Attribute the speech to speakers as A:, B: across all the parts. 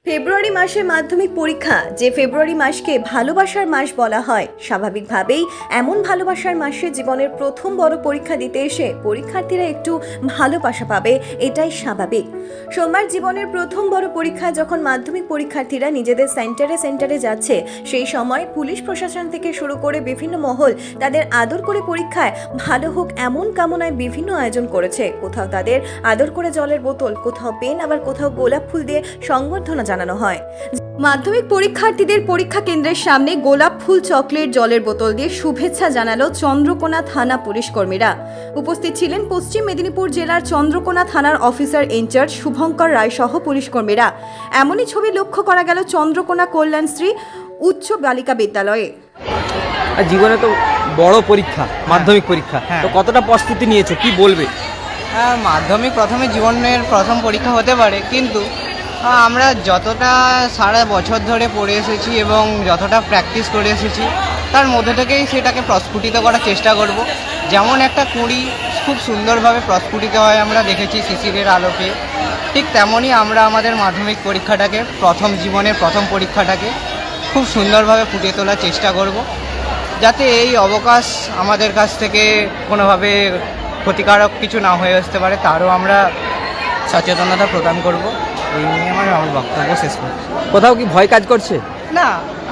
A: ফেব্রুয়ারি মাসে মাধ্যমিক পরীক্ষা, যে ফেব্রুয়ারি মাসকে ভালোবাসার মাস বলা হয়, স্বাভাবিকভাবেই এমন ভালোবাসার মাসে জীবনের প্রথম বড় পরীক্ষা দিতে এসে পরীক্ষার্থীরা একটু ভালোবাসা পাবে, এটাই স্বাভাবিক। সোমবার জীবনের প্রথম বড় পরীক্ষা যখন মাধ্যমিক পরীক্ষার্থীরা নিজেদের সেন্টারে যাচ্ছে, সেই সময় পুলিশ প্রশাসন থেকে শুরু করে বিভিন্ন মহল তাদের আদর করে পরীক্ষায় ভালো হোক এমন কামনায় বিভিন্ন আয়োজন করেছে। কোথাও তাদের আদর করে জলের বোতল, কোথাও পেন, আবার কোথাও গোলাপ ফুল দিয়ে সংবর্ধনা জানানো হয়। মাধ্যমিক পরীক্ষার্থীদের পরীক্ষা কেন্দ্রের সামনে গোলাপ ফুল, চকলেট, জলের বোতল দিয়ে শুভেচ্ছা জানালো চন্দ্রকোনা থানা পুলিশ কর্মীরা। উপস্থিত ছিলেন পশ্চিম মেদিনীপুর জেলার চন্দ্রকোনা থানার অফিসার ইনচার্জ শুভঙ্কর রায় সহ পুলিশ কর্মীরা। এমনই ছবি লক্ষ্য করা গেল চন্দ্রকোনা কল্যাণশ্রী উচ্চ বালিকা বিদ্যালয়ে।
B: জীবনে তো বড় পরীক্ষা, মাধ্যমিক পরীক্ষা, তো কতটা প্রস্তুতি নিয়েছো, কি বলবে?
C: মাধ্যমিক প্রথমে জীবনের প্রথম পরীক্ষা হতে পারে, কিন্তু আমরা যতটা সারা বছর ধরে পড়ে এসেছি এবং যতটা প্র্যাকটিস করে এসেছি, তার মধ্যে থেকেই সেটাকে প্রস্ফুটিত করার চেষ্টা করব। যেমন একটা কুঁড়ি খুব সুন্দরভাবে প্রস্ফুটিত হয় আমরা দেখেছি শিশিরের আলোকে, ঠিক তেমনই আমরা আমাদের মাধ্যমিক পরীক্ষাটাকে, জীবনের প্রথম পরীক্ষাটাকে খুব সুন্দরভাবে ফুটিয়ে তোলার চেষ্টা করব, যাতে এই অবকাশ আমাদের কাছ থেকে কোনোভাবে ক্ষতিকারক কিছু না হয়ে আসতে পারে, তারও আমরা সচেতনতা প্রদান করব। এই নিয়ে আমার বক্তব্য শেষ করছি।
B: কোথাও কি ভয় কাজ করছে?
C: না,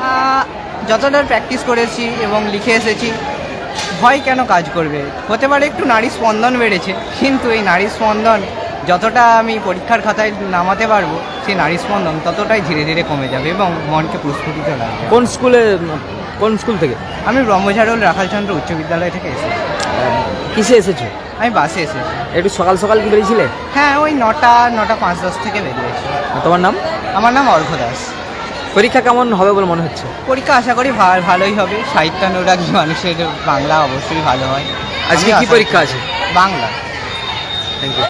C: যতটা প্র্যাকটিস করেছি এবং লিখে এসেছি, ভয় কেন কাজ করবে? হতে পারে একটু নারী স্পন্দন বেড়েছে, কিন্তু এই নারী স্পন্দন যতটা আমি পরীক্ষার খাতায় নামাতে পারবো, সেই নারী স্পন্দন ততটাই ধীরে ধীরে কমে যাবে এবং মনকে প্রস্ফুটিত লাগবে।
B: কোন স্কুল থেকে?
C: আমি ব্রহ্মঝাড়ল রাখালচন্দ্র উচ্চ বিদ্যালয় থেকে এসেছি।
B: কিসে এসেছো?
C: আমি বাসে এসেছি।
B: একটু সকাল সকাল কি বেরিয়েছিলে?
C: হ্যাঁ, ওই 9:05-10 থেকে বেরিয়েছি।
B: তোমার নাম?
C: আমার নাম অর্ঘ্য দাস।
B: পরীক্ষা কেমন হবে বলে মনে হচ্ছে?
C: পরীক্ষা আশা করি ভালোই হবে। সাহিত্যানুরাগী মানুষের বাংলা অবশ্যই ভালো হয়।
B: আজকে কি পরীক্ষা আছে?
C: বাংলা।
B: Thank you.